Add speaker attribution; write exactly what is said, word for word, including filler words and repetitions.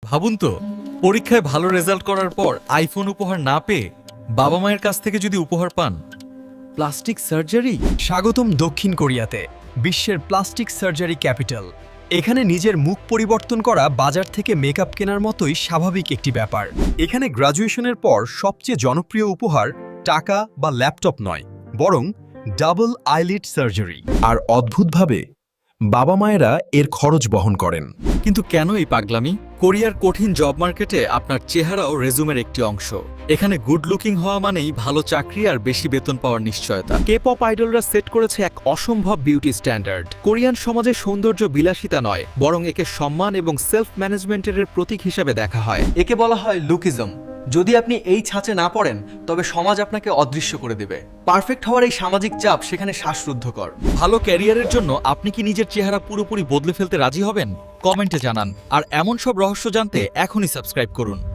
Speaker 1: ভাবুন তো, পরীক্ষায় ভালো রেজাল্ট করার পর আইফোন উপহার না পেয়ে বাবা মায়ের কাছ থেকে যদি উপহার পান।
Speaker 2: Plastic surgery.
Speaker 3: স্বাগতম দক্ষিণ কোরিয়াতে, বিশ্বের প্লাস্টিক সার্জারি ক্যাপিটাল। এখানে নিজের মুখ পরিবর্তন করা বাজার থেকে মেকআপ কেনার মতোই স্বাভাবিক একটি ব্যাপার। এখানে গ্র্যাজুয়েশনের পর সবচেয়ে জনপ্রিয় উপহার টাকা বা ল্যাপটপ নয়, বরং ডাবল আইলিড সার্জারি। আর অদ্ভুতভাবে বাবা মায়েরা এর খরচ বহন করেন।
Speaker 1: কিন্তু কেন এই পাগলামি? কোরিয়ার কঠিন জব মার্কেটে আপনার চেহারাও রেজুমের একটি অংশ। এখানে গুড লুকিং হওয়া মানেই ভালো চাকরি আর বেশি বেতন পাওয়ার নিশ্চয়তা।
Speaker 2: কে পপ আইডলরা সেট করেছে এক অসম্ভব বিউটি স্ট্যান্ডার্ড। কোরিয়ান সমাজে সৌন্দর্য বিলাসিতা নয়, বরং একে সম্মান এবং সেলফ ম্যানেজমেন্টের প্রতীক হিসেবে দেখা হয়।
Speaker 4: একে বলা হয় লুকিজম। যদি আপনি এই ছাঁচে না পড়েন, তবে সমাজ আপনাকে অদৃশ্য করে দেবে। পারফেক্ট হওয়ার এই সামাজিক চাপ সেখানে শ্বাসরুদ্ধকর।
Speaker 1: ভালো ক্যারিয়ারের জন্য আপনি কি নিজের চেহারা পুরোপুরি বদলে ফেলতে রাজি হবেন? কমেন্টে জানান। আর এমন সব রহস্য জানতে এখনই সাবস্ক্রাইব করুন।